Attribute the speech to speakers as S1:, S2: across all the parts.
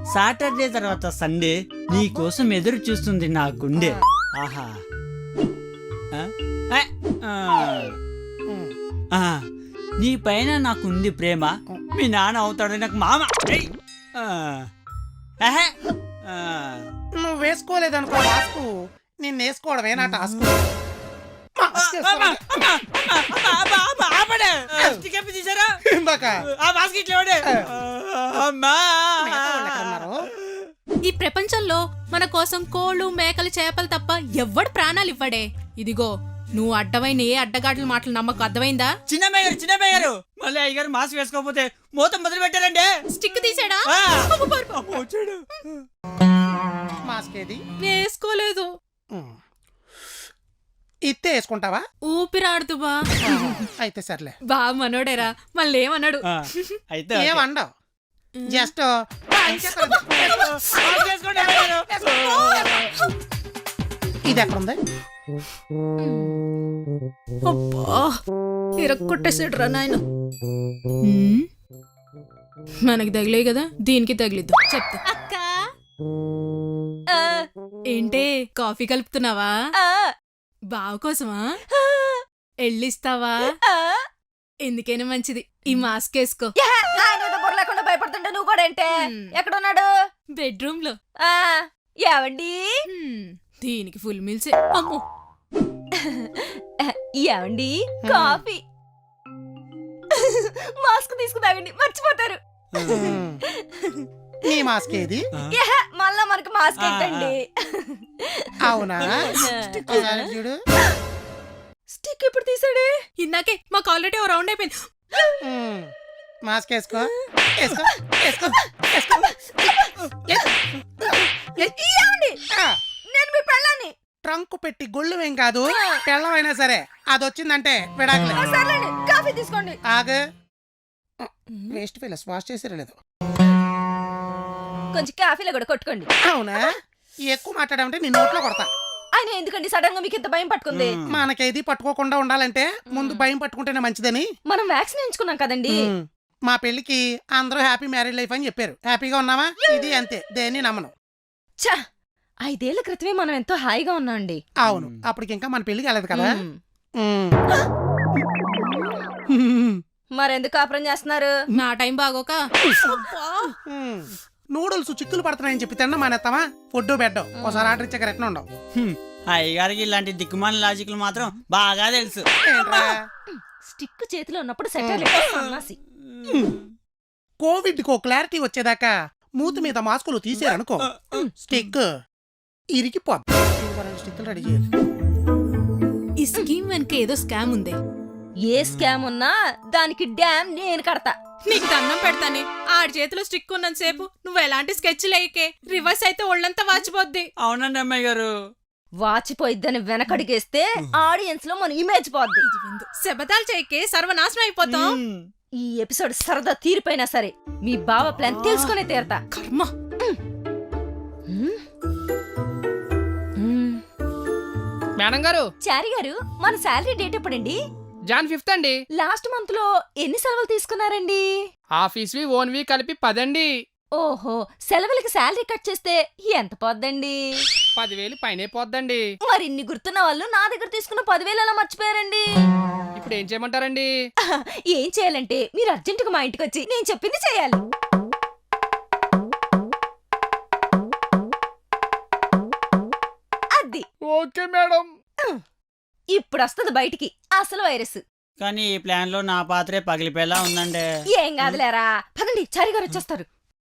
S1: Saturday తర్వాత Sunday నీ కోసం ఎదురు చూస్తుంది నా గుండె. ఆహా ఆ? ఆ, నీ పైన నాకుంది ప్రేమ. మీ నాన్న అవుతాడు నాకు మామ. ఏయ్! ఆహా!
S2: నువ్వు వేసుకోలేదనుకో మాస్కు, నిన్ను వేసుకోవడమే నా టాస్క్.
S3: ఈ ప్రపంచంలో మన కోసం కోళ్ళు మేకలు చేపలు తప్ప ఎవ్వడు ప్రాణాలు ఇవ్వడే. ఇదిగో నువ్వు అడ్డమైన ఏ అడ్డగాట్ల మాటలు నమ్మకు, అర్థమైందా?
S1: చిన్నమ్మాయి గారు మళ్ళీ అయ్యగారు మాస్క్ వేసుకోకపోతే మూతం మొదలు పెట్టారండి.
S3: స్టిక్ తీసాడా?
S2: మాస్క్ ఏది?
S3: వేసుకోలేదు.
S2: ఇత్తే వేసుకుంటావా?
S3: ఊపిరాడుతూ బా.
S2: అయితే సర్లే.
S3: బా మనోడేరా, మళ్ళీ ఏమన్నాడు?
S1: అయితే
S2: ఏమండవు, జస్ట్ ఇది ఎక్కడుంది?
S3: అబ్బా ఇరక్కొట్టేసాడు రా నాయన. మనకి తగిలే కదా, దీనికి తగిలిద్దు. చెప్తా అక్క. ఏంటే కాఫీ కలుపుతున్నావా? బావ కోసమా? ఎళ్ళిస్తావా? ఎందుకైనా మంచిది ఈ మాస్క్ వేసుకో.
S4: లేకుండా భయపడుతుంటే నువ్వు కూడా ఏంటే? ఎక్కడున్నాడు?
S3: బెడ్రూమ్ లో.
S4: ఏవండి?
S3: దీనికి ఫుల్ మీల్స్. అమ్మో
S4: ఏవండి కాఫీ మాస్క్ తీసుకుతాగండి, మర్చిపోతారు.
S2: నీ మాస్క్ ఏది?
S4: మళ్ళా మనకు మాస్క్ ఏంటండి?
S2: అవునా? చూడు,
S4: స్టిక్ ఎప్పుడు తీసాడే?
S3: ఇందాకే మాకు ఆల్రెడీ ఓ రౌండ్ అయిపోయింది.
S2: మాస్క్ వేసుకో.
S4: నేను మీ పెళ్ళాన్ని.
S2: ట్రంక్ పెట్టి గొళ్ళు ఏం కాదు, పెళ్ళమైనా సరే అది వచ్చిందంటే విడాకులే.
S4: సర్లేండి, కాఫీ తీసుకోండి.
S2: ఆగు, వేస్ట్ ఫెయిల్ వాష్ చేసారా లేదు?
S4: కొంచెం కాఫీలో కూడా కొట్టుకోండి.
S2: అవునా? ఎక్కువ మాట్లాడామంటే నీ నోట్లో కొడతా.
S4: ఆయన ఎందుకండి సడన్ గా మీకు ఇంత భయం పట్టుకుంది?
S2: మనకేది పట్టుకోకుండా ఉండాలంటే ముందు భయం పట్టుకుంటేనే మంచిదని
S4: మనం వ్యాక్సిన్ ఎంచుకున్నాం కదండి.
S2: మా పెళ్లికి అందరూ హ్యాపీ మ్యారీడ్ లైఫ్ అని చెప్పారు. హ్యాపీగా ఉన్నామా? ఇది అంతే, దేన్ని నమ్మను.
S4: ఛా, 5 ఏళ్ల క్రితమే మనం ఎంతో హాయిగా ఉన్నాం అండి.
S2: అవును, అప్పటికి ఇంకా మన పెళ్లికి వెళ్ళదు కదా.
S4: మరెందుకు కాపురం చేస్తున్నారు?
S3: నా టైం బాగోక.
S2: నూడిల్స్ చిక్కులు పడుతున్నాయని చెప్పి తిన్నా మానేస్తామా? ఫుడ్ బెడ్ ఒకసారి ఆర్డర్ ఇచ్చాక రెట్న ఉండవు.
S1: అయ్యగారికి ఇలాంటి దిక్కుమాల లాజిక్లు మాత్రం బాగా తెలుసు.
S4: స్టిక్ చేతిలో ఉన్నప్పుడు సెటర్ సన్నాసి.
S2: కోవిడ్ కో క్లారిటీ వచ్చేదాకా మూతి మీద మాస్కులు తీసారనుకో, స్టిక్ ఇరికిపోద్ది. స్టిక్లు రెడీ చేయాలి.
S3: ఈ స్కీమ్ వెనక ఏదో స్కామ్ ఉందే.
S4: ఏ స్కామ్ ఉన్నా దానికి డ్యామ్ నేను కడతా.
S3: నీకు దండం పెడతానే, ఆడి చేతిలో స్టిక్ ఉన్నంత సేపు నువ్వు ఎలాంటి స్కెచ్ లేకే. రివర్స్ అయితే ఒళ్ళంతా వాచిపోద్ది.
S1: అవునండి అమ్మాయి గారు.
S4: వాచిపోయిద్దని వెనకడిగేస్తే ఆడియన్స్ లో మన ఇమేజ్ పోద్ది.
S3: శబదాలు చేయకే, సర్వనాశనం అయిపోతాం.
S4: ఈ ఎపిసోడ్ సరదా తీరిపోయినా సరే మీ బావ ప్లాన్ తెలుసుకునే తీరతా.
S3: కర్మ.
S5: మేడం గారు.
S4: చారి గారు, మన శాలరీ డేట్ ఎప్పుడండి?
S5: జాన్ 5th అండి.
S4: లాస్ట్ మంత్ లో ఎన్ని సెలవులు తీసుకున్నారండి?
S5: ఆఫీస్వి ఓన్వి కలిపి 10 అండి.
S4: ఓహో, సెలవులకి శాలరీ కట్ చేస్తే ఎంత పోద్దండి?
S5: 10,000 పైనే పోద్దండి.
S4: మరి ఇన్ని గుర్తున్న వాళ్ళు నా దగ్గర తీసుకున్న 10,000 ఎలా మర్చిపోయారండి?
S5: ఇప్పుడు ఏం చేయమంటారండి?
S4: ఏం చేయాలంటే మీరు అర్జెంటుగా మా ఇంటికి వచ్చి నేను చెప్పింది చేయాలి. అది
S5: ఓకే మేడం.
S4: ఇప్పుడు వస్తుంది బయటికి అసలు వైరస్.
S1: కానీ ఈ ప్లాన్ లో నా పాత్రే పగిలిపోయేలా ఉందండి.
S4: ఏం కాదులేరా, పదండి, చారి గారు వచ్చేస్తారు.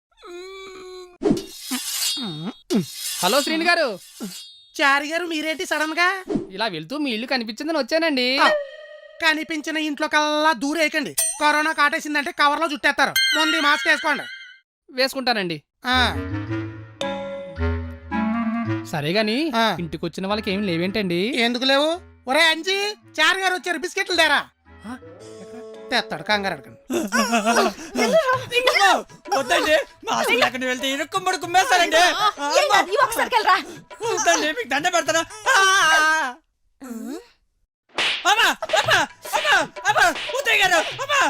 S5: హలో శ్రీని గారు.
S2: చారి గారు, మీరేంటి సడన్ గా?
S5: ఇలా వెళ్తూ మీ ఇల్లు కనిపించిందని వచ్చానండి.
S2: కనిపించిన ఇంట్లో కల్లా దూరేయకండి. కరోనా కాటేసిందంటే కవర్లో చుట్టేస్తారు. ముందు మాస్క్ వేసుకోండి.
S5: వేసుకుంటానండి. సరే గాని ఇంటికి వచ్చిన వాళ్ళకి ఏమి లేవేంటండి?
S2: ఎందుకు లేవు? ఒరే అంజీ, చారి గారు వచ్చారు, బిస్కెట్లు తేరా. తెస్తాడు, కంగారు అడగండి.
S1: వద్దండి, మాస్క్ లేకుండా వెళ్తే ఇరుక్కుమ్మడి కుమ్మేస్తారండి. మీకు దండ పెడతాను. అమ్మా, అమ్మా, అమ్మా, అమ్మా, ఉత్తయ్య గారు, అమ్మా.